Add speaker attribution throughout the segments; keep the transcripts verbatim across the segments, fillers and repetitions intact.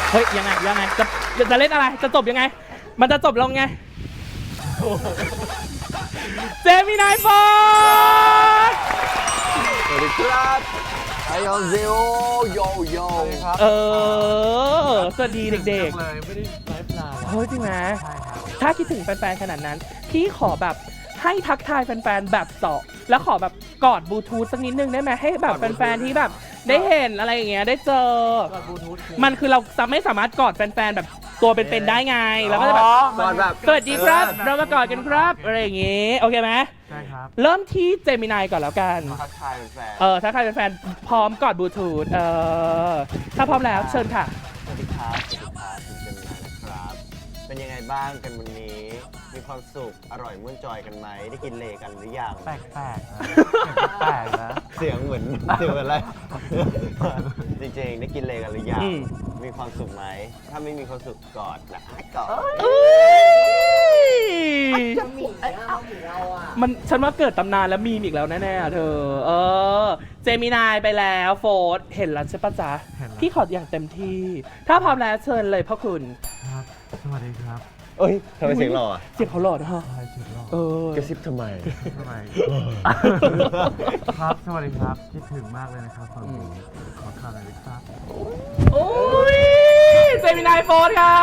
Speaker 1: เฮ้ยยังไงยังไงจะจะเล่นอะไรจะจบยังไงมันจะจบลงไงเจมินายโฟร์
Speaker 2: สวัสดีครับไอออนเซโอโยโย่ครับ
Speaker 1: เออสวัสดีเด็กๆ
Speaker 3: เลยไม่ได้ไลฟ์นาน
Speaker 1: เฮ้ยจริงไหม
Speaker 3: ใช่ครับ
Speaker 1: ถ้าคิดถึงแฟนๆขนาดนั้นพี่ขอแบบให้ทักทายแฟนๆแบบเจาะแล้วขอแบบกอดบลูทูธสักนิดนึงได้ไหมให้แบบแฟนๆที่แบบได้เห็นอะไรอย่างเงี้ยได้เจอมันคือเราจะไม่สามารถกอดแฟนๆแบบตัวเป็นๆได้ไงแล้วก็จะแบบ
Speaker 2: ก่อนแบบ
Speaker 1: สวัสดีครับเรามากอดกันครับอะไรอย่างงี้โอเคไหม
Speaker 3: ใช่ครับ
Speaker 1: เริ่มที่เจมินายก่อนแล้วกัน
Speaker 2: ทักทายแฟน
Speaker 1: เออถ้าใครเป็นแฟนพร้อมกอดบลูทูธเออถ้าพร้อมแล้วเชิญค่ะ
Speaker 2: สวัสดีครับสวัสดีครับคุณเจมินายนะครับ เป็นยังไงบ้างกันวันนี้ มีความสุขอร่อยม่วนจอยกันไหมได้กินเลกันหรือยัง
Speaker 3: แปลกๆนะแปลกๆนะ
Speaker 2: เสียงเหมือนเสียงเหมือนอะไร จริงๆได้กินเลกันหรือยัง
Speaker 1: อืม
Speaker 2: มีความสุขไหม ถ้าไม่มีความสุขกอดนะกอด
Speaker 4: จะหมีเอาหมีเราอ่ะ
Speaker 1: มันฉันว่าเกิดตำนานแล้วมีมอีกแล้วแน่ๆเธอ เออ เจมินายไปแล้วโฟร์เห็นแล้วใช่ปะจ๊ะ
Speaker 3: เห็นแล้ว
Speaker 1: พี่ขออย่างเต็มที่ ถ้าพร้อมแล้วเชิญเลยพ่อคุณ
Speaker 3: ครับ สวัสดีครับ
Speaker 2: เอ้ยทำไมเสียงหล่ออะ
Speaker 1: เสียงเขาหล่อนะฮะ
Speaker 3: ใช่จุดรอบ
Speaker 1: เออก
Speaker 2: ระซิบทำไม
Speaker 3: สวัสดีครับ สวัสดีครับ คิดถึงมากเลยนะครับฝั่งนี้ขอข่าวหน่อยดิครับ
Speaker 1: โอ้ยเจมินายโฟร์ค่ะ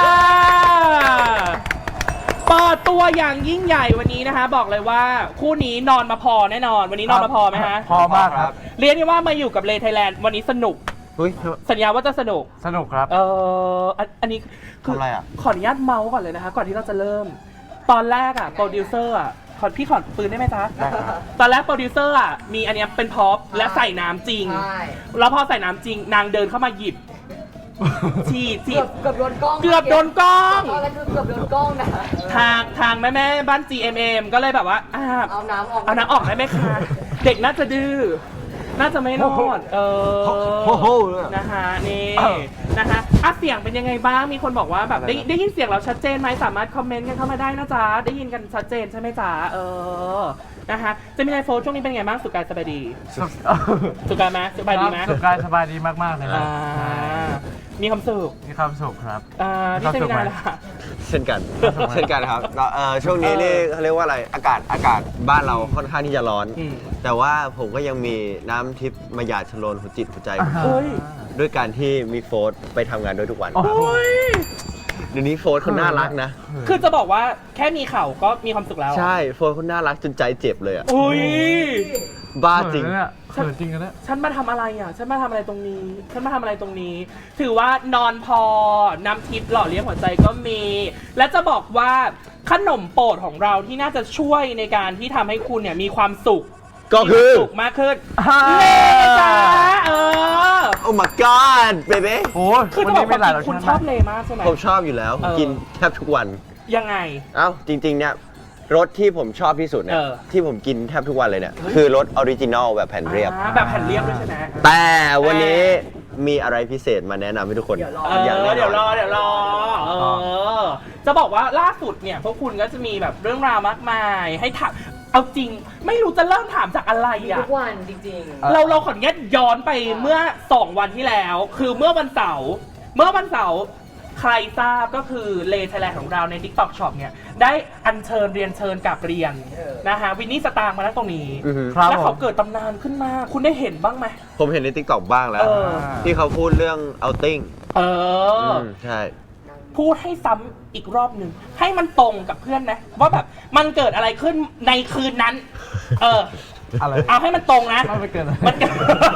Speaker 1: เปิดตัวอย่างยิ่งใหญ่วันนี้นะคะ บอกเลยว่าคู่นี้นอนมาพอแน่นอน วันนี้นอนมาพอไหมฮะ
Speaker 3: พอมากครับ
Speaker 1: เรียกได้ว่ามาอยู่กับเลไทยแลนด์วันนี้สนุก
Speaker 2: เฮ้ย
Speaker 1: สัญญาว่าจะสนุก
Speaker 3: สนุกครับ
Speaker 1: เอออันอันนี้คื
Speaker 2: ทำอะไรอ่ะ
Speaker 1: ขออนุญาตเมาส์ก่อนเลยนะคะ ก่อนที่เราจะเริ่ม ตอนแรกอ่ะโปรดิวเซอร์อ่ะขอพี่ขอปืนได้ไหมจ๊ะ
Speaker 3: ได้ครับ
Speaker 1: ตอนแรกโปรดิวเซอร์อ่ะมีอันเนี้ยเป็นพ็อปและใส่น้ำจริง
Speaker 4: ใช่
Speaker 1: แล้วพอใส่น้ำจริง นางเดินเข้ามาหยิบ ฉีดฉี
Speaker 4: เกือ
Speaker 1: ด
Speaker 4: บเกือบโดนกล้อง
Speaker 1: เกือบโดนกล้อง
Speaker 4: ตอนแรกคือเกือบโดนกล้องนะ
Speaker 1: ทางทางแม่แม่ๆบ้าน จี เอ็ม เอ็ม ก็เลยแบบว่าอ่า
Speaker 4: เอาน้ำออก
Speaker 1: เอาน้ำออกได้ไหมคะ เด็กน่าจะดื้อ น่าจะไม่รอด เออ
Speaker 2: โอ้โห
Speaker 1: นะคะนี่นะคะอ่ะเสียงเป็นยังไงบ้าง มีคนบอกว่าแบบได้ได้ยินเสียงเราชัดเจนไหมสามารถคอมเมนต์กันเข้ามาได้นะจ๊ะ ได้ยินกันชัดเจนใช่ไหมจ๊ะ เออ นะคะจะมีไอโฟนช่วงนี้เป็นไงบ้างสุขกายสบายดี สุขกายไหมสบายดีไหม
Speaker 3: สุขกายสบายดีมากๆเลยครั
Speaker 1: อ่า
Speaker 3: บ
Speaker 1: มีความสุข
Speaker 3: มีความสุขครับ
Speaker 1: อ่าพี่เจมินาล่ะ
Speaker 2: เช่นกัน เช่นกันครับเราเอ่อช่วงนี้นี่เขาเรียกว่าอะไร อากาศ อากาศบ้านเราค่อนข้างที่จะร้อน
Speaker 1: อืม
Speaker 2: แต่ว่าผมก็ยังมีน้ำทิพย์มาหยาดชโลนหัวจิตหัวใจผม
Speaker 1: เฮ้ย
Speaker 2: ด้วยการที่มีโฟร์ธไปทำงานด้วยทุกวัน
Speaker 3: โอ้โห
Speaker 1: โอ้ย
Speaker 2: เดี๋ยวนี้โฟร์ธเขาน่ารักนะ
Speaker 1: คือจะบอกว่าแค่มีเข่าก็มีความสุขแล้ว
Speaker 2: ใช่ โฟร์ธเขาน่ารักจนใจเจ็บเลยอ่ะ
Speaker 1: อุ้ย
Speaker 2: บ้าจริง
Speaker 3: เขินเนี่ยเขินจริงกันเนี่ย
Speaker 1: ฉันมาทำอะไรอ่ะ ฉันมาทำอะไรตรงนี้ ฉันมาทำอะไรตรงนี้ ถือว่านอนพอ น้ำทิพย์หล่อเลี้ยงหัวใจก็มี และจะบอกว่าขนมโปรดของเราที่น่าจะช่วยในการที่ทำให้คุณเนี่ยมีความสุข
Speaker 2: ก็คือ
Speaker 1: มีวามสุขมากขึ้นเลจ้าเออ
Speaker 2: โอ้ my god baby
Speaker 3: โอ้ย
Speaker 1: คือ
Speaker 3: วั
Speaker 1: จะ
Speaker 3: น
Speaker 1: บอ
Speaker 3: นี้
Speaker 1: ก
Speaker 3: มีหลาย
Speaker 1: ว่าร
Speaker 3: ส
Speaker 1: คุณ
Speaker 3: ชาติ
Speaker 1: ชอบ
Speaker 3: มาก
Speaker 1: เลมากใช่ไหม
Speaker 2: ผมชอบอยู่แล้ว ผม
Speaker 1: เออ
Speaker 2: กินแทบทุกวัน
Speaker 1: ยังไง
Speaker 2: เอ้า จริง ๆ เนี่ย รสที่ผมชอบที่สุดเนี่ย
Speaker 1: เออ
Speaker 2: ที่ผมกินแทบทุกวันเลยเนี่ย คือรสออริจินอลแบบแผ่นเรียบ
Speaker 1: อ่าแบบแผ่นเรียบด้วยใช่ไหม
Speaker 2: แต่วันนี้มีอะไรพิเศษมาแนะนำให้ทุกคน
Speaker 4: เดี๋ยวรอ
Speaker 1: เออ
Speaker 2: อย่างแน่นอน
Speaker 1: เดี๋ยวรอเดี๋ยวรอเออจะบอกว่าล่าสุดเนี่ยพวกคุณก็จะมีแบบเรื่องราวมากมายให้ถามเอาจริง ไม่รู้จะเริ่มถามจากอะไร
Speaker 4: มี
Speaker 1: อ่ะ
Speaker 4: ทุกวันจริง
Speaker 1: เราเราขออนุญาตย้อนไปเมื่อสองวันที่แล้ว คือเมื่อวันเสาร์เมื่อวันเสาร์ใครทราบก็คือเลไทยแลนด์ของเราใน TikTok Shop เนี่ยได้อัญเชิญเรียนเชิญกับเรียนนะคะวินนี่สตางค์มาแล้วตรงนี้
Speaker 2: อือฮึ
Speaker 3: ครับ
Speaker 1: แล้วเขา
Speaker 3: ผม
Speaker 1: เกิดตำนานขึ้นมา คุณได้เห็นบ้างไหม
Speaker 2: ผมเห็นใน TikTok บ้างแล้ว
Speaker 1: เออ
Speaker 2: ที่เขาพูดเรื่อง outing
Speaker 1: เอออ
Speaker 2: มใช่
Speaker 1: พูดให้ซ้ำอีกรอบหนึ่งให้มันตรงกับเพื่อนนะว่าแบบมันเกิดอะไรขึ้นในคืนนั้น เออ
Speaker 3: อะไร
Speaker 1: เอาให้มันตรงนะ
Speaker 3: ไม่เกิน
Speaker 1: มันเกิด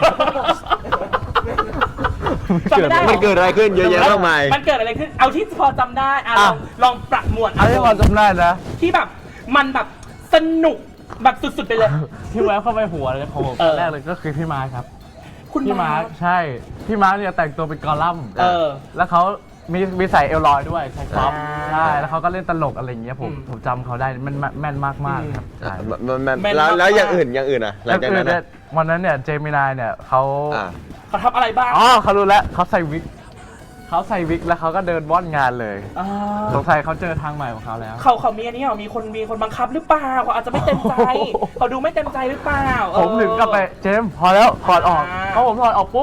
Speaker 1: จำไม่ได้หรอ
Speaker 2: มันเกิดอะไรขึ้นเยอะแยะมากมาย
Speaker 1: มันเกิดอะไรขึ้น เอาที่พอจำได้อ่ะล
Speaker 3: อ่ะ
Speaker 1: องลองประมวล
Speaker 3: อันนี้พอจำได้นะ
Speaker 1: ที่แบบมันแบบสนุกแบบสุดๆไปเลย
Speaker 3: ที่แวบเข้าไปหัวเลยของผม
Speaker 1: เออ
Speaker 3: แรกเลยก็คือพี่มาร์คครับ
Speaker 1: คุณ
Speaker 3: พี่มา
Speaker 1: มา
Speaker 3: ร์คใช่ พี่มาร์คเนี่ยแต่งตัวเป็นกอลัมน์
Speaker 1: เออ
Speaker 3: แล้วเขามีมีใส่เอลลอยด้วยใส่ฟ็อป
Speaker 1: อ่า
Speaker 3: ใช่ แล้วเขาก็เล่นตลกอะไรอย่างเงี้ยผม
Speaker 1: อืม
Speaker 3: ผมจำเขาได้มันแม่นแม่นมากมากๆครับใช่
Speaker 2: มันมัน
Speaker 1: แม่น
Speaker 2: แล้ว
Speaker 1: มาก
Speaker 2: แล้วอย่างอื่นอย่างอื่นอ่ะหลังจากนั้น
Speaker 3: ก็คือ
Speaker 2: อะ
Speaker 3: เวันนั้นเนี่ยเจมินายเนี่ยเขา
Speaker 2: อ่ะ
Speaker 1: เขาทำอะไรบ้าง
Speaker 3: อ๋อเขารู้แล้วเขาใส่วิกเขาใส่วิกแล้วเขาก็เดินว่อนงานเลย
Speaker 1: อ่า
Speaker 3: สงสัยเขาเจอทางใหม่ของเขาแล้ว
Speaker 1: เขาเขามีอันนี้เหรอมีคนมีคนบังคับหรือเปล่าเขาอาจจะไม่เต็มใจ
Speaker 3: โอ้โห
Speaker 1: เขาดูไม่เต็มใจหรือเปล่าเออ
Speaker 3: ผมถึงกลับไปเจมส์พอแล้วถอดออก
Speaker 1: อ่า
Speaker 3: เพราะผมถอดออกปุ๊บ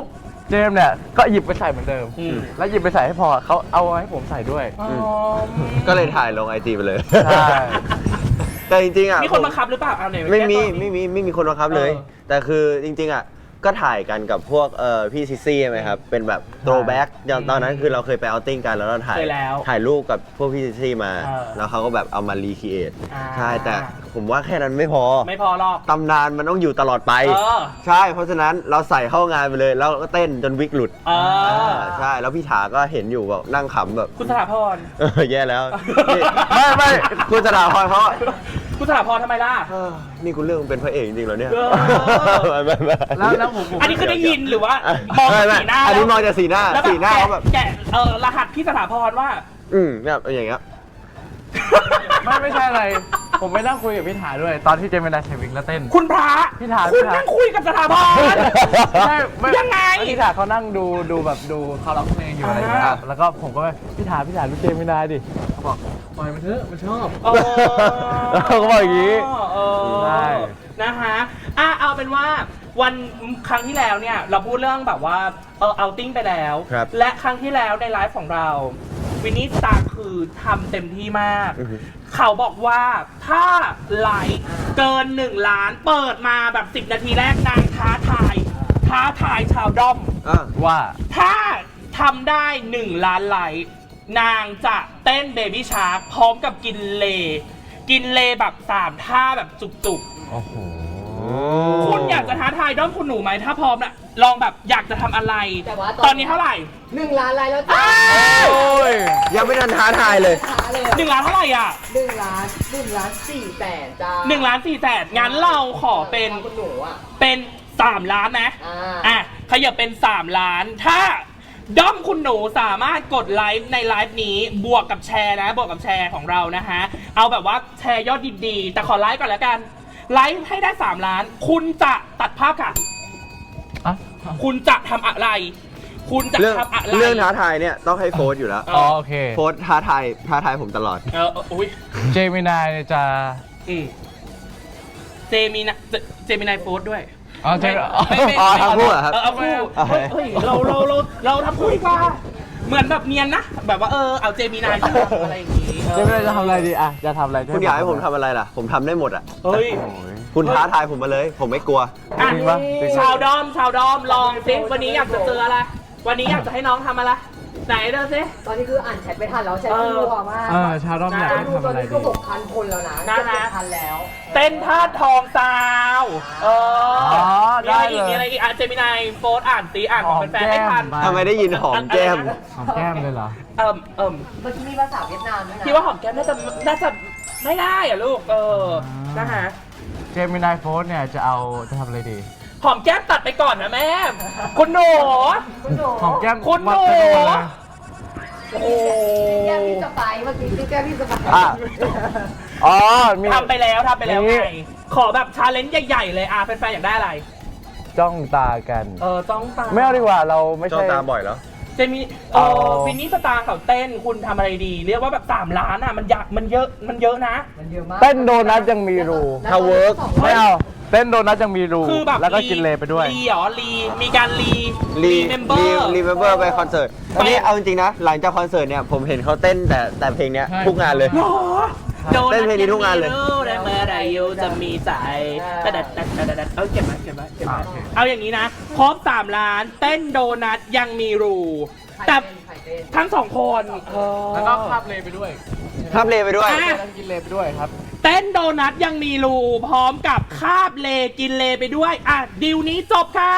Speaker 3: เจมส์เนี่ยก็หยิบไปใส่เหมือนเดิม
Speaker 1: อืม
Speaker 3: แล้วหยิบไปใส่ให้พอเขาเอาให้ผมใส่ด้วย
Speaker 1: อ๋อ
Speaker 2: ก็เลยถ่ายลงไอจีไปเลย
Speaker 3: ใช่
Speaker 2: แต่จริงๆอ่ะ
Speaker 1: มีคนบังคับหรือเปล่าเอาไหน
Speaker 2: ไม่มี
Speaker 1: แก้ตัว
Speaker 2: ไม่มีไม่มีคนบังคับเลย
Speaker 1: เออ
Speaker 2: แต่คือจริงๆอ่ะก็ถ่ายกันกับพวกเอ่อพี่ซิซี่ใช่ไหมครับเป็นแบบโตแบ็กอย่างตอนนั้นคือเราเคยไปเอาติ้งกันแล้วเราถ่าย
Speaker 1: เคยแล้ว
Speaker 2: ถ่ายรูปกับพวกพี่ซิซี่มา
Speaker 1: เออ
Speaker 2: แล้วเขาก็แบบเอามารีคิเอท
Speaker 1: อ่า
Speaker 2: ใช่แต่ผมว่าแค่นั้นไม่พอ
Speaker 1: ไม่พอหรอก
Speaker 2: ตำนานมันต้องอยู่ตลอดไป
Speaker 1: เออ
Speaker 2: ใช่ เพราะฉะนั้นเราใส่เข้างานไปเลยแล้วก็เต้นจนวิกหลุด
Speaker 1: เออ
Speaker 2: ใช่แล้วพี่ถาก็เห็นอยู่แบบนั่งขำแบบ
Speaker 1: คุณสถาพร
Speaker 2: เออแย่แล้วนี่ไม่ไม่คุณสถาพรเขา
Speaker 1: คุณสถาพรทำไมล่ะ
Speaker 2: เออนี่คุณเรื่องเป็นพระเอกจริงๆเหรอเนี่ย
Speaker 1: เออ
Speaker 2: ไม่ไม่ไม่
Speaker 3: แล้วแล้วผมผม
Speaker 1: อันนี้คือได้ยินหรือว่ามอง
Speaker 2: ไม่ไม่
Speaker 1: สีหน้า
Speaker 2: อันนี้
Speaker 1: แล้ว
Speaker 2: มองจากสีหน้า
Speaker 1: แล้ว
Speaker 2: สีหน้าเขาแบบ
Speaker 1: แกะเออรหัสพี่สถาพรว่า
Speaker 2: อืมแบบอย่างเงี้ย
Speaker 3: ไม่ไม่ใช่อะไร ผมไปนั่งคุยกับพี่ถาด้วย ตอนที่เจมินายใส่วิกแล้วเต้น
Speaker 1: คุณพระ
Speaker 3: พี่ถา
Speaker 1: คุณ
Speaker 3: พี่ถา
Speaker 1: นั่งคุยกับสถาพร
Speaker 3: ใช่ม่
Speaker 1: ยังไง
Speaker 3: แล้วพี่ถาเขานั่งดูดูแบบดูเขาร้องเพลงอยู่อะไรอย่างเงี้ย
Speaker 1: อ่า
Speaker 3: แล้วก็ผมก็ไปพี่ถาพี่ถาดูเจมินายดิเขาบอกปล่อยมันเถอะมันชอบ
Speaker 1: เออ
Speaker 3: แล้วเขาก็บอกอย่างงี้
Speaker 1: เออ
Speaker 3: ใช่
Speaker 1: นะฮะอ่ะเอาเป็นว่าวันครั้งที่แล้วเนี่ยเราพูดเรื่องแบบว่าเออเอาติ้งไปแล้ว
Speaker 2: ครับ
Speaker 1: และครั้งที่แล้วในไลฟ์ของเราวินนี่สตาร์คือทำเต็มที่มาก
Speaker 2: อือฮึ
Speaker 1: เขาบอกว่าถ้าไลค์เกินหนึ่งล้านเปิดมาแบบสิบนาทีแรกนางท้าทาย ท้าทายชาวด้อม
Speaker 2: อ่ะ
Speaker 3: ว่า
Speaker 1: ถ้าทำได้หนึ่งล้านไลค์นางจะเต้นเบบี้ชาร์กพร้อมกับกินเล กินเลแบบสามท่าแบบจุก
Speaker 3: โอ้โห
Speaker 1: ๆ คุณอยากจะท้าทายด้อมคุณหนูไหมถ้าพร้อมนะลองแบบอยากจะทำอะไร
Speaker 4: แต่ว่า
Speaker 1: ตอนนี้เท่าไหร่
Speaker 4: หนึ่งล้านไลค์แล้วจ้า
Speaker 3: โอ้ย
Speaker 2: ยังไม่ทันท้าทายเลย
Speaker 4: ช้าเลย
Speaker 1: หนึ่งล้านเท่าไหร่อ่ะ
Speaker 4: หนึ่งล้านหนึ่งล้านสี่แสนจ้า
Speaker 1: หนึ่งล้านสี่แสนงั้นเราขอเป็น
Speaker 4: คุณหนูอ่ะ
Speaker 1: เป็นสามล้านนะ
Speaker 4: อ่า
Speaker 1: อ่ะขยับเป็นสามล้าน ถ้าด้อมคุณหนูสามารถกดไลฟ์ในไลฟ์นี้บวกกับแชร์นะ บวกกับแชร์ของเรานะฮะ เอาแบบว่าแชร์ยอดดีๆแต่ขอไลฟ์ก่อนแล้วกัน ไลฟ์ให้ได้สามล้าน คุณจะตัดภาพค่ะ
Speaker 3: อ่ะ
Speaker 1: คุณจะทำอะไร คุณจะ
Speaker 2: เรื่อง
Speaker 1: ทำอะไร
Speaker 2: เรื่องท้าทายเนี่ยต้องให้โฟสอยู่แล้ว
Speaker 3: อ๋อโอเค
Speaker 2: โฟสท้าทายท้าทายผมตลอด
Speaker 1: เออเอออุ้ย
Speaker 3: เจมินายเนี่ยจะ
Speaker 1: อืมเจมินาเจเจมินายโฟร์ด้วย
Speaker 3: อ๋อเจ
Speaker 1: ไม่ไม่
Speaker 2: อ๋อ
Speaker 1: ไม่
Speaker 2: เอาคู่เหรอครับ
Speaker 1: เออเอาคู่
Speaker 2: โอเค
Speaker 1: เฮ้ยเราเราเราเราทำคู่ดีกว่า เหมือนแบบเนียนนะ แบบว่าเออเอาเจมินายอะไรอย่างงี้
Speaker 3: เจมินายจะทำอะไรดีอ่ะจะทำอะไร
Speaker 2: คุณอยากให้ผมทำอะไรล่ะ ผมทำได้หมดอ่ะ
Speaker 1: เฮ้ย
Speaker 3: โอ้ย
Speaker 2: คุณท้าทายผมมาเลย ผมไม่กลัว
Speaker 1: อ่ะ
Speaker 3: จริงปะจริงปะ
Speaker 1: ชาวดอม ชาวดอมลองสิวันนี้อยากจะเจออะไร วันนี้อยากจะให้น้องทำอะไร ไหนเดินสิ
Speaker 4: ตอนนี้คืออ่านแชทไม่ทันแล้วแชท
Speaker 1: เออ
Speaker 4: รัวมาก
Speaker 3: เออชาวด้อมอยากให้
Speaker 4: ดู
Speaker 3: ทำ
Speaker 4: ตอ
Speaker 3: อะ
Speaker 4: น
Speaker 3: ไร
Speaker 4: นี้
Speaker 3: ดี
Speaker 4: ก็หกพันคนแล้วนะ
Speaker 1: นะ
Speaker 4: เจ็ด
Speaker 1: นะ
Speaker 4: พันแล้ว
Speaker 1: เต้นท่าทองซาว เออ
Speaker 3: อ๋อ
Speaker 1: มีอะไร
Speaker 3: ได้
Speaker 1: อีก
Speaker 3: เลย
Speaker 1: มีอะไรอีกอ่ะเจมินายโฟร์อ่านสิอ่านของแฟนๆให้ทัน
Speaker 3: หอมแก้ม
Speaker 2: ทำไมได้ยินหอมแก้ม
Speaker 3: หอมแก้มเลยเหรอ
Speaker 1: เอิ่มเอิ่ม
Speaker 4: เมื่อกี้มีภาษาเวียดนามด้วยนะ
Speaker 1: พี่ว่าหอมแก้มน่าจะน่าจะไม่ได้อ่ะลูก เออ
Speaker 3: อ่าน
Speaker 1: นะฮะ
Speaker 3: เจมินายโฟสเนี่ยจะเอาจะทำอะไรดี
Speaker 1: หอมแก้มตัดไปก่อนนะแม่ คุณหนู
Speaker 4: คุณหนู
Speaker 3: หอมแก้ม
Speaker 1: คุณหนู
Speaker 3: มัดไปด้วยนะ
Speaker 1: โอ้โห
Speaker 4: แก้มพี่สไปร์เมื่อกี้พี่แก้มพี่สไปร์
Speaker 2: อ่ะ
Speaker 3: อ๋อมี
Speaker 1: ทำไปแล้วทำไปแล้ว
Speaker 3: อย่างนี้
Speaker 1: ไง ขอแบบชาเลนจ์ใหญ่ๆเลยอ่ะแฟนๆอยากได้อะไร
Speaker 3: จ้องตากัน
Speaker 1: เออจ้องตา
Speaker 3: ไม่เอาดีกว่าเราไม่
Speaker 2: จ้อง
Speaker 3: ใช่
Speaker 2: ตาบ่อยแล้ว
Speaker 1: เจมี่เอ
Speaker 3: เอา
Speaker 1: อฟินนี่สตาร์เขาเต้นคุณทำอะไรดี เรียกว่าแบบสามล้านอ่ะมันยากมันเยอะมันเยอะนะ
Speaker 4: มันเยอะมาก
Speaker 3: เต้นโดนัทยังมีรู
Speaker 2: ถ้าเวิร์ก
Speaker 3: ไม่เอาเต้นโดนัทยังมีรู
Speaker 1: คือแบบ
Speaker 3: แล้วก็กินเลไปด้วย
Speaker 1: รีเหรอรีมีการรี
Speaker 2: รี
Speaker 1: เมมเบอ
Speaker 2: รี
Speaker 1: ร์
Speaker 2: รีเมมเบอร์ไปคอนเสิร์ตอันนี้เอาจริงๆนะ หลังจากคอนเสิร์ตเนี่ย ผมเห็นเขาเต้นแต่แต่เพลงเนี้ย
Speaker 3: ใช่
Speaker 2: ทุกงานเลย
Speaker 1: หรอโด
Speaker 2: เต้นเพลงนี้ทุกงานเลย
Speaker 1: ได้เมื่อใดยูจะมีใจแต่แต่แต่แต่แต่เอาเก็บไว้เก็บไว้เก็บไว้
Speaker 3: โอเค
Speaker 1: เอาอย่างนี้นะครบสามล้านเต้นโดนัทยังมีรู แต่
Speaker 4: ไข่เต้น
Speaker 1: ทั้งสองคนเออ
Speaker 3: แล้วก็คาบเลไปด้วย
Speaker 2: ทับเลไปด้วย
Speaker 1: อ่ะ
Speaker 3: แล้วกินเลไปด้วยครับ
Speaker 1: เต้นโดนัทยังมีรูพร้อมกับคาบเลกินเลไปด้วย อ่ะดิวนี้จบค่ะ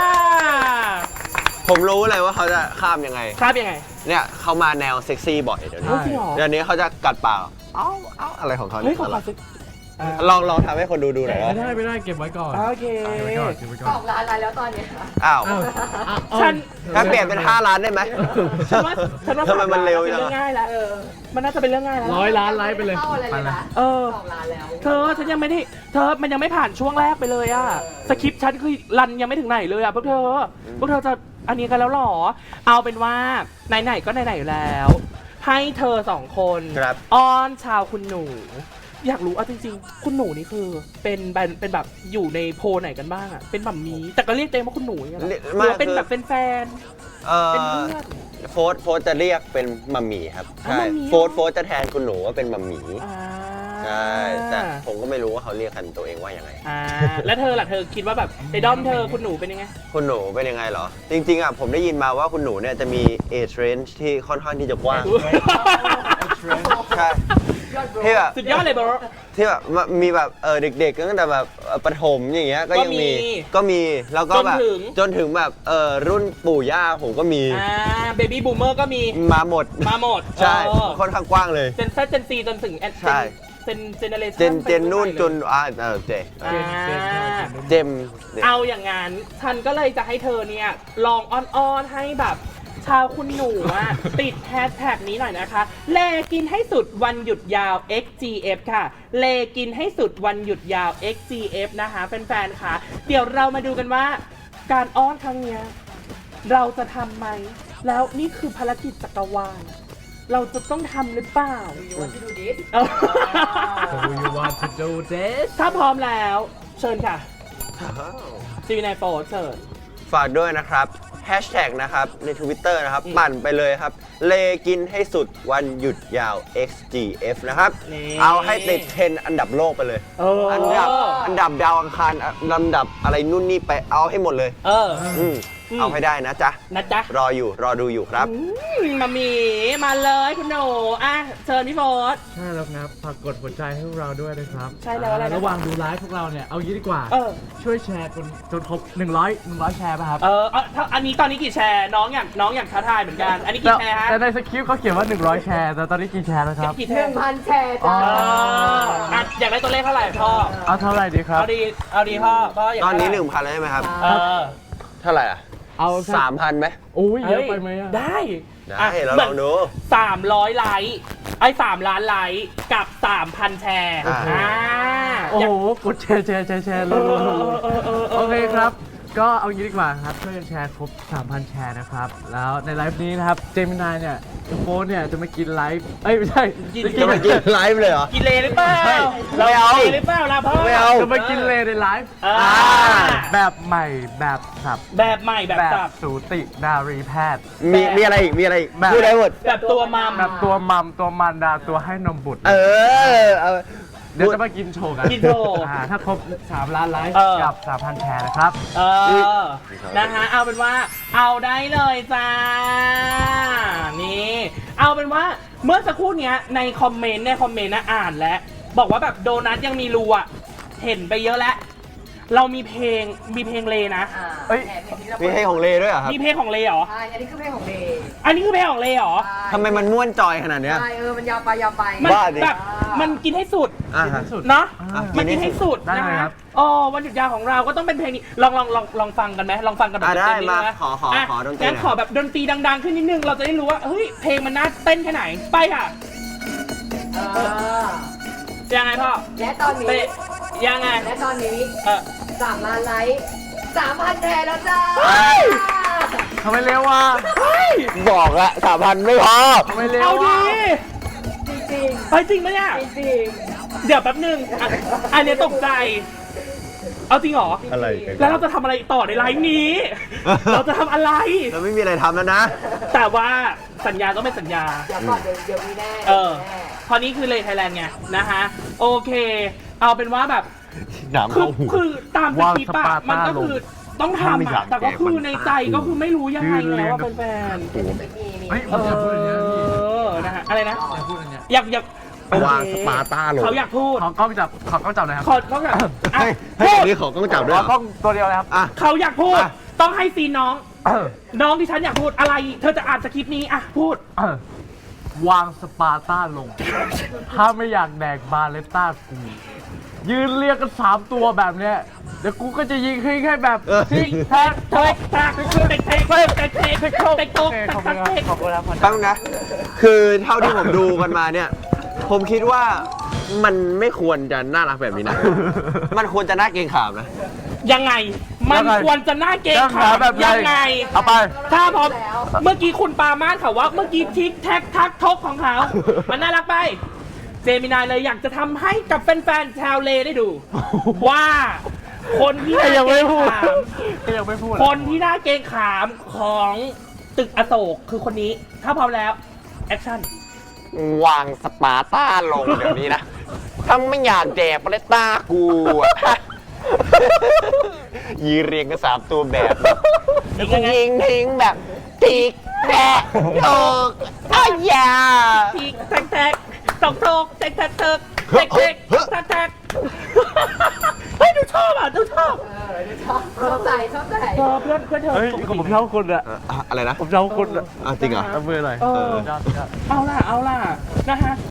Speaker 2: ผมรู้เลยว่าเขาจะข้ามยังไง
Speaker 1: คาบยังไง
Speaker 2: เนี่ยเขามาแนวเซ็กซี่บ่อยเดี๋ยวนี้
Speaker 1: เฮ้ยจริงเหรอ
Speaker 2: เดี๋ยวนี้เขาจะกัดปาก เอ้าเอ้าอะไรของเขา
Speaker 1: เฮ้
Speaker 2: เนี่ย ย
Speaker 1: ขอขอสิอ่ะ
Speaker 2: ลองลองทำให้คนดูดูหน่อย
Speaker 3: ไม่
Speaker 2: ว่า
Speaker 3: ได้ไม่ได้เก็บไว้ก่อน
Speaker 1: โอเค
Speaker 3: เก็บไว้ก่อนเก็บไว้ก่
Speaker 4: ส
Speaker 3: อ
Speaker 4: อน งล้านไลค์แล้วตอนเนี้ย
Speaker 2: อ้าว
Speaker 3: อ้าว
Speaker 1: ฉัน
Speaker 2: ถ้าเปลี่ยนเป็นห้าล้านได้ไหม
Speaker 1: ฉันว่าฉันว่า
Speaker 2: ทำไมมันเร็ว
Speaker 1: เป็น
Speaker 2: จัง
Speaker 1: เรื่อง
Speaker 2: อะ
Speaker 1: ง่ายแล้วเออ มันน่าจะเป็นเรื่องง่ายแล้ว
Speaker 3: ร้อยล้านไลค์ไปเลย
Speaker 4: เข้าอะไร
Speaker 3: ไป
Speaker 4: เลย
Speaker 3: เลย
Speaker 4: นะ
Speaker 1: เออ
Speaker 4: สองล้านแล้ว
Speaker 1: เธอฉันยังไม่ได้เธอมันยังไม่ผ่านช่วงแรกไปเลยอะสคริปต์ฉันคือรันยังไม่ถึงไหนเลยอะพวกเธอพวกเธอจะอันนี้กันแล้วหรอ เอาเป็นว่าไหนๆก็ไหนๆอยู่แล้ว ให้เธอสองคน
Speaker 2: ครับ
Speaker 1: อ้อนชาวคุณหนูอยากรู้เอาจริงๆ คุณหนูนี่คือเป็นเป็นเป็นแบบอยู่ในโพลไหนกันบ้างอ่ะเป็นแบบมีแต่ก็เรียกตัวเองว่าคุณหนูอย่างเงี้ยเหรอ
Speaker 2: เรียก
Speaker 1: หรือว่าเป็น
Speaker 2: ไม่คือ
Speaker 1: แบบเป็นแฟน
Speaker 2: เอ่
Speaker 1: เป็น
Speaker 2: อ
Speaker 1: เพื่อน
Speaker 2: โฟร์ธโฟร์ธจะเรียกเป็นมัมหมี่ครับ
Speaker 1: อ๋อ
Speaker 2: ใช่
Speaker 1: มัมหมี่
Speaker 2: โฟร์ธโฟร์ธจะแทนคุณหนูว่าเป็นมัมหมี่
Speaker 1: อ่า
Speaker 2: ใช่แต่ผมก็ไม่รู้ว่าเขาเรียกกันตัวเองว่ายังไง
Speaker 1: อ่าแล้วเธอล่ะเธอคิดว่าแบบในด้อมเธอคุณหนูเป็นยังไง
Speaker 2: คุณหนูเป็นยังไงเหรอ จริงๆอ่ะผมได้ยินมาว่าคุณหนูเนี่ยจะมี age range ที่ค่อนข้างที่จะกว้าง ใช่
Speaker 4: ยอดโบร
Speaker 2: ที่แบบ
Speaker 1: สุดยอดเลยบอส
Speaker 2: ที่แบบมีแบบเออเด็กๆตั้งแต่แบบเอ่อประถมอย่างเงี้ยก็ยังมี
Speaker 1: ก็มี
Speaker 2: ก็มีแล้วก็แบบ
Speaker 1: จนถึง
Speaker 2: จนถึงแบบเออรุ่นปู่ย่าผมก็มี
Speaker 1: อ่าเบบี้บูมเมอร์ก็มี
Speaker 2: มาหมด
Speaker 1: มาหมด
Speaker 2: ใช่
Speaker 1: เออ
Speaker 2: ค่อนข้างกว้างเลย
Speaker 1: เจนเซเจนซีจนถึงแอน
Speaker 2: ใช่
Speaker 1: เจนเจนเนเรชั่น
Speaker 2: เจนเจนนู่นจนอ่าเออเจ
Speaker 1: อ่า
Speaker 2: เจม
Speaker 1: เอาอย่างงั้นฉันก็เลยจะให้เธอเนี่ยลองอ้อนๆให้แบบชาวคุณหนูอะ ติดแฮชแท็กนี้หน่อยนะคะ เลกินให้สุดวันหยุดยาว เอ็กซ์ จี เอฟ ค่ะ เลกินให้สุดวันหยุดยาว เอ็กซ์ จี เอฟ นะคะแฟนๆค่ะ เดี๋ยวเรามาดูกันว่า การอ้อนครั้งเนี้ยเราจะทำไหม แล้วนี่คือภารกิจจักรวาล เราจะต้องทำหรือเปล่า
Speaker 4: you want to do this
Speaker 1: เออ
Speaker 3: So you want to do this
Speaker 1: ถ้าพร้อมแล้ว เชิญค่ะจีวีนายโฟเชิญ
Speaker 2: ฝากด้วยนะครับแฮชแท็กนะครับใน Twitter นะครับ
Speaker 1: อืม
Speaker 2: ปั่นไปเลยครับ เลกินให้สุดวันหยุดยาว เอ็กซ์ จี เอฟ นะครับ
Speaker 1: นี่
Speaker 2: เอาให้ติดเทรนด์อันดับโลกไปเลย
Speaker 1: เออ
Speaker 2: อันดับอันดับดาวอังคารลำดับอะไรนู่นนี่ไปเอาให้หมดเลย
Speaker 1: เออ
Speaker 2: อืม
Speaker 1: อืม
Speaker 2: เอาให้ได้นะจ๊ะ
Speaker 1: นะจ๊ะ
Speaker 2: รออยู่รอดูอยู่ครับ
Speaker 1: อืมมามีมาเลยคุณหนูอ่ะเชิญพี่โฟส
Speaker 3: ใช่แล้วครับฝากกดหัวใจให้พวกเราด้วยนะครับ
Speaker 1: ใช่แล้วอะไรนะ
Speaker 3: ระหว่างดูไลฟ์พวกเราเนี่ย เอางี้ดีกว่า
Speaker 1: เออ
Speaker 3: ช่วยแชร์จนจนครบหนึ่งร้อย หนึ่งร้อยแชร์ป่ะครับ
Speaker 1: เออเอาถ้าอันนี้ตอนนี้กี่แชร์น้องอยากน้องอยากท้าทายเหมือนกัน อันนี้กี่แชร์ฮะ
Speaker 3: แต่ในสคริปต์เขาเขียนว่าหนึ่งร้อยแชร์ แต่ตอนนี้กี่แชร์แล้วครับ
Speaker 1: กี่แช
Speaker 4: หนึ่
Speaker 1: ร์
Speaker 4: งพันแชร์
Speaker 3: อ๋
Speaker 4: จ้า
Speaker 3: อ
Speaker 1: เอออ่ะอยากได้ตัวเลขเท่าไหร่พ่อ
Speaker 3: เอาเท่าไหร่ดีครับ
Speaker 1: เอาดีเอาดีพ่อพ่ออยาก
Speaker 2: ตอนนี้
Speaker 1: เท่า
Speaker 2: ห
Speaker 1: ไร่
Speaker 2: นึ่งพันแล้วใช่ไหมครับ
Speaker 1: เออ
Speaker 2: เท่าไหร่อ่ะ
Speaker 3: เอาสัก
Speaker 2: สามพันไหม
Speaker 3: อุ้ยเย
Speaker 1: เฮ้
Speaker 3: อะไปไหมอะ
Speaker 1: ได้
Speaker 2: ได้
Speaker 1: อ่ะ
Speaker 2: เรา
Speaker 1: เหมื
Speaker 2: ล
Speaker 1: อน
Speaker 2: องดู
Speaker 1: สามร้อยไลค์ไอ้สามล้านไลค์กับสามพันแชร์
Speaker 2: อ่า
Speaker 1: อ่า
Speaker 3: โอ้โห กดแชร์แชร์แชร์แชร์เลย
Speaker 1: เออเออเออเออ
Speaker 3: โอเคครับ ก็เอางี้ดีกว่าครับช่วยกันแชร์ครบ สามพัน แชร์นะครับ แล้วในไลฟ์นี้นะครับ เจมินายเนี่ยโฟนเนี่ยจะมากินไลฟ์ เอ้ยไม่ใช่
Speaker 1: กิน
Speaker 3: จะกิ
Speaker 2: จะ
Speaker 3: น
Speaker 2: มากินไลฟ์เลยเหรอ
Speaker 1: กินเลหรือเปล่า
Speaker 2: ไม่เอา
Speaker 1: กินเลหรือเปล่าล่ะพ่อ
Speaker 2: ไม่เอา
Speaker 3: จะมากินเลยในไลฟ์
Speaker 1: อ่า
Speaker 3: แบบใหม่แบบสับ
Speaker 1: แบบใหม่แบบ
Speaker 3: แบบ
Speaker 1: สับ
Speaker 3: สูตินารีแพทย์
Speaker 2: มีมีอะไรอีกมีอะไรอีก
Speaker 3: แบบ
Speaker 2: พูดได้หมด
Speaker 1: แบบตัวมัม
Speaker 3: แบบตัวมัมตัวมันดาตัวให้นมบุตร
Speaker 2: เออเอา
Speaker 3: เดี๋ยวจะมากินโชว์กัน
Speaker 1: กินโชว์
Speaker 3: อ่าถ้าครบสามล้านไลฟ์
Speaker 1: เออ
Speaker 3: กับ สามพัน แชร์นะครับ
Speaker 1: เออ นะฮะ เอาเป็นว่า เอาได้เลยจ้า นี่ เอาเป็นว่า เมื่อสักครู่เนี้ย ในคอมเมนต์ ในคอมเมนต์นะอ่านแล้ว บอกว่าแบบโดนัทยังมีรูอ่ะ เห็นไปเยอะแล้ว เรามีเพลง มีเพลงเลนะ
Speaker 4: อ่า
Speaker 3: เอ้ย
Speaker 4: แหมเพลงที่เรา
Speaker 2: มีให้ของเลด้วยเหรอครับ
Speaker 1: มีเพลงของเลเหรอ
Speaker 4: ใช่อันนี้คือเพลงของเดย์
Speaker 1: อันนี้คือเพลงของเลเหรอ
Speaker 2: ทำไมมันม่วนจอยขนาดเนี้ย
Speaker 4: ใช่เออมันยาวไปยาวไป
Speaker 1: มัน
Speaker 2: บ้าดิ
Speaker 1: แบบ มันกินให้สุด
Speaker 2: อ่ะ
Speaker 3: กินให้สุด
Speaker 1: เนาะ
Speaker 3: อ่ะ
Speaker 1: มันกินให้สุด
Speaker 3: ได้
Speaker 1: นะ
Speaker 3: เลยครั
Speaker 1: ฮะ
Speaker 3: บ
Speaker 1: อ๋อวันหยุดยาวของเราก็ต้องเป็นเพลงนี้ ลองลองลองลองฟังกันไหมลองฟังกันแบบ
Speaker 2: อ่ะได้
Speaker 1: เต็ๆนิ
Speaker 2: มา
Speaker 1: ดนึงนะ
Speaker 2: ขอขอ
Speaker 1: อ่ะ
Speaker 2: ขอดนตรี
Speaker 1: งั้น
Speaker 2: หน่อย
Speaker 1: ขอแบบดนตรีดังๆขึ้นนิดนึง เราจะได้รู้ว่า เฮ้ย เพลงมันน่าเต้นแค่ไหน ไปค่ะ
Speaker 4: เออ
Speaker 1: ยังไงพ่อ
Speaker 4: และตอนนี้
Speaker 1: เตะยังไง
Speaker 4: และตอนนี้
Speaker 1: เออ
Speaker 4: สามล้านไลค์สามพันแชร์แล้วจ้า
Speaker 3: ทำไมเร็ววะ
Speaker 2: บอกละสามพันไม่พอ
Speaker 3: ทำไมเร็ว
Speaker 1: เอาดี
Speaker 3: วะ
Speaker 4: จริง
Speaker 1: ไปจริงไหมเนี่ย
Speaker 4: ๆจริง
Speaker 1: เดี๋ยวแป๊บนึงอ่ะอันเนี้ยตกใจ เอาจริงเหรอ
Speaker 2: อะไรกัน
Speaker 1: แล้วเราจะทำอะไรต่อในไลฟ์นี้ เราจะทำอะไร
Speaker 2: เราไม่มีอะไรทำแล้วนะ
Speaker 1: แต่ว่าสัญญาต้องเป็นสัญญา
Speaker 4: ๆเดี๋ยวก่อนเดี๋ยวเดี๋ยวมีแน่
Speaker 1: เออ
Speaker 4: แน่
Speaker 1: เพราะนี้คือเลยไทยแลนด์ไงนะฮะ โอเค เอาเป็นว่าแบบ
Speaker 2: หนาม
Speaker 1: คือ
Speaker 2: เข้าหู
Speaker 1: คือตามสคริปต์อะ
Speaker 3: วางสปาร์ต้า
Speaker 1: มันก็คือต้องทำ
Speaker 2: ไม่อยา
Speaker 1: อะ
Speaker 2: ก
Speaker 1: แต่ก็คือ
Speaker 2: แกะมัน
Speaker 1: ในใจก็คือไม่รู้ยังไงแล้วว่าเป็นแฟน
Speaker 4: มีมี
Speaker 3: เฮ้ย
Speaker 1: เอ
Speaker 3: ผมอยากพูดอันเนี้ยพี่
Speaker 1: อนะฮะอะไรนะ
Speaker 3: อยากพูดอันเนี้ย
Speaker 1: อยากอยาก
Speaker 2: วางสปาร์ต้าลง
Speaker 1: เขาอยากพูด
Speaker 3: ขอกล้องจับขอกล้องจับหน่อยครับ
Speaker 1: ขอเขาอยากอ่ะ
Speaker 2: ให้ให้
Speaker 1: พู
Speaker 2: ตร
Speaker 1: ด
Speaker 2: งนี้ขอกล้องจับด้วย
Speaker 3: ข
Speaker 2: เห
Speaker 3: อ
Speaker 2: ร
Speaker 3: กล้
Speaker 2: อ
Speaker 3: องตัวเดียวนะครับ
Speaker 2: อ่ะ
Speaker 1: เขาอยากพูด
Speaker 2: อ่ะ
Speaker 1: ต้องให้ซีนน้อง น้องที่ฉันอยากพูดอะไร เธอจะอ่านสคริปต์นี้อ่ะพูด
Speaker 3: เออวางสปาร์ต้าลง ถ้าไม่อยากแดกบาเลต้ากู ยืนเรียกกันสามตัวแบบเนี้ย เดี๋ยวกูก็จะยิงให้แค่แบบ
Speaker 2: เออ
Speaker 3: ทิกแท็ก
Speaker 1: เทกทักเทกเทกเทกเทกเทกเทกเทก
Speaker 3: โอเคขอบคุณครับขอบคุณครับ
Speaker 2: ตั้งนะ คือเท่าที่ผมดูกันมาเนี่ย ผมคิดว่ามันไม่ควรจะน่ารักแบบนี้นะ มันควรจะน่าเกรงขามนะ
Speaker 1: ยังไง มันควรจะน่าเกรง
Speaker 3: ยัง
Speaker 1: ขา
Speaker 3: หาม แบบ
Speaker 1: ยังไง
Speaker 3: เอาไป
Speaker 1: ถ้าพร้อมเมื่อกี้คุณปามาสเขาว่าเมื่อกี้ทิกแท็กทักทกของเขา มันน่ารักไปเจมินายเลยอยากจะทำให้กับแฟนๆชาวเลได้ดู ว่าคนที่น่า
Speaker 3: ยัง
Speaker 1: เกร
Speaker 3: ไม่
Speaker 1: ง
Speaker 3: พูด
Speaker 1: ขาม
Speaker 3: ยังไม่พูด
Speaker 1: คนที่น่าเกรงขามของตึกอโศกคือคนนี้ ถ้าพร้อมแล้วแอคชั่น
Speaker 2: วางสปาร์ต้าลงเดี๋ยวนี้นะ ถ้าไม่อยากแดกปาเลตต้ากูอะ ยีเรียงกันสามตัวแบบแล้วก็ยิงทิ้งแบบติ๊กแตกโถกอ้ายยา
Speaker 1: ทีแทกแทกตกตกแทกแทกแทกแทกแทกแทกแทกเฮ้ยดูชอบอ่ะดูชอบ
Speaker 4: เออชอบชอบใจชอบใจ
Speaker 1: เธอเพื่อนเพื่อนเธอ
Speaker 3: เฮ้ยผมชอบคุณอะ
Speaker 2: อะไรนะ
Speaker 3: ผมชอบคุณอะ
Speaker 2: อ่ะจริงเหรอ
Speaker 3: เอามือหน่อย
Speaker 1: เออ
Speaker 3: ชอบชอบ
Speaker 1: เอาล่ะเอาล่ะนะฮะ